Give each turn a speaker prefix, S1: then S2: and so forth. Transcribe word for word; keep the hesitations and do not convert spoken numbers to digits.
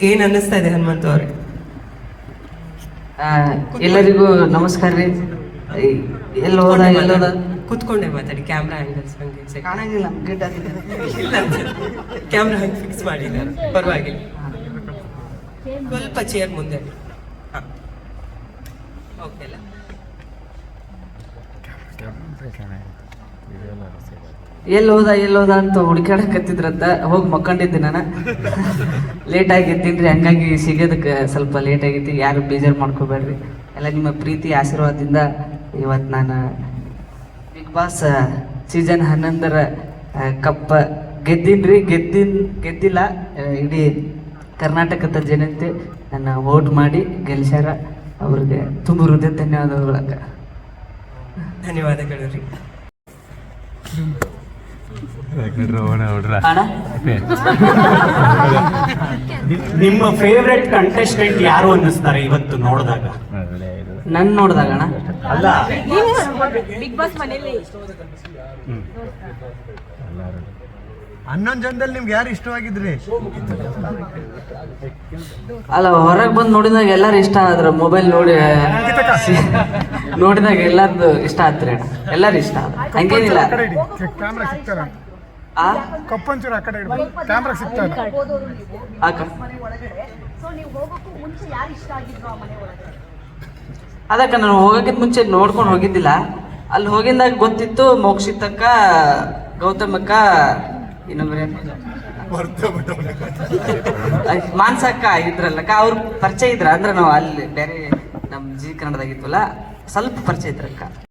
S1: ಏನ್ ಅನ್ನಿಸ್ತಾ ಇದೆ ಹನುಮಂತ ಅವ್ರೆ?
S2: ಎಲ್ಲರಿಗೂ ನಮಸ್ಕಾರ ರೀ. ಎಲ್ಲ ಹೋದ ಎಲ್ಲೋದ
S1: ಕುತ್ಕೊಂಡೆ ಮಾತಾಡಿ, ಕ್ಯಾಮ್ರಾ ಆಂಗಲ್ಸ್ ಹಂಗೆ
S2: ಕಾಣಂಗಿಲ್ಲ, ಗಿಡ್ಡ
S1: ಕ್ಯಾಮ್ರಾ ಹಂಗೆ ಫಿಕ್ಸ್ ಮಾಡಿದ್ದಾರೆ, ಪರವಾಗಿಲ್ಲ. ಸ್ವಲ್ಪ ಚೇರ್ ಮುಂದೆ. ಓಕೆ ಅಲ್ಲ?
S2: ಎಲ್ಲಿ ಹೋದ ಎಲ್ಲಿ ಹೋದ ಅಂತ ಹುಡುಕಾಡಕತ್ತಿದ್ರಂತ ಹೋಗಿ ಮಕ್ಕೊಂಡಿದ್ದೆ ನಾನು. ಲೇಟ್ ಆಗಿದ್ದೀನಿ ರೀ, ಹಂಗಾಗಿ ಸಿಗೋದಕ್ಕೆ ಸ್ವಲ್ಪ ಲೇಟ್ ಆಗೈತಿ. ಯಾರು ಬೇಜಾರು ಮಾಡ್ಕೋಬೇಡ್ರಿ. ಎಲ್ಲ ನಿಮ್ಮ ಪ್ರೀತಿ ಆಶೀರ್ವಾದದಿಂದ ಇವತ್ತು ನಾನು ಬಿಗ್ ಬಾಸ್ ಸೀಸನ್ ಹನ್ನೊಂದರ ಕಪ್ಪ ಗೆದ್ದೀನಿ ರೀ. ಗೆದ್ದಿನ್ ಗೆದ್ದಿಲ್ಲ, ಇಡೀ ಕರ್ನಾಟಕದ ಜನತೆ ನನ್ನ ವೋಟ್ ಮಾಡಿ ಗೆಲ್ಸ್ಯಾರ. ಅವ್ರಿಗೆ ತುಂಬ ಹೃದಯ ಧನ್ಯವಾದಗಳಕ್ಕ.
S1: ಧನ್ಯವಾದಗಳು ರೀ.
S3: ನಿಮ್ಮ ಫೇವ್ರೆಟ್ ಕಂಟೆಸ್ಟೆಂಟ್ ಯಾರು ಅನ್ನಿಸ್ತಾರೆ ಇವತ್ತು ನೋಡಿದಾಗ?
S2: ನನ್ ನೋಡಿದಾಗ ಅಣ್ಣ
S3: ಅಲ್ಲ,
S4: ಬಿಗ್ ಬಾಸ್ ಮನೇಲಿ
S5: ಹನ್ನೊಂದು ಜನದಲ್ಲಿ ನಿಮ್ಗೆ ಯಾರು ಇಷ್ಟವಾಗಿದ್ರಿ?
S2: ಅಲ್ಲ, ಹೊರಗೆ ಬಂದು ನೋಡಿದಾಗ ಎಲ್ಲಾರು ಇಷ್ಟ ಆದ್ರ. ಮೊಬೈಲ್ ನೋಡಿ ನೋಡಿದಾಗ ಎಲ್ಲಾರ್ದು ಇಷ್ಟ ಆತ್ರಿ ಅಣ್ಣ, ಎಲ್ಲಾರು ಇಷ್ಟ ಆದ. ಹಂಗೇನಿಲ್ಲ.
S5: ಕ್ಯಾಮ್ರಾ ಸಿಗ್ತಾರ?
S2: ಆ
S5: ಕಪ್ಪಂಚೂರು ಆ ಕಡೆ ಇಡ್ಬೋದು, ಕ್ಯಾಮ್ರಾ ಸಿಗ್ತಾರ?
S2: ಆಕ
S4: ಸೊ ನೀವು ಹೋಗೋಕ್ಕೂ ಮುಂಚೆ ಯಾರು ಇಷ್ಟ ಆಗಿದ್ರು ಆ ಮನೆ ಒಳಗೆ?
S2: ಅದಕ್ಕೆ ನಾನು ಹೋಗೋಕ್ಕಿಂತ ಮುಂಚೆ ನೋಡ್ಕೊಂಡು ಹೋಗಿದ್ದಿಲ್ಲ. ಅಲ್ಲಿ ಹೋಗಿದ್ದಾಗ ಗೊತ್ತಿತ್ತು ಮೋಕ್ಷಿತಕ್ಕ, ಗೌತಮಕ್ಕ, ಇನ್ನೊಬ್ಬರೇ ಮಾನ್ಸಕ್ಕ ಇದ್ರಲ್ಲಕ್ಕ. ಅವ್ರು ಪರಿಚಯ ಇದ್ರ ಅಂದ್ರೆ ನಾವು ಅಲ್ಲಿ ಬೇರೆ ನಮ್ಮ ಜಿ ಕನ್ನಡದಾಗಿದ್ವಲ್ಲ, ಸ್ವಲ್ಪ ಪರಿಚಯ ಇದ್ರಕ್ಕ.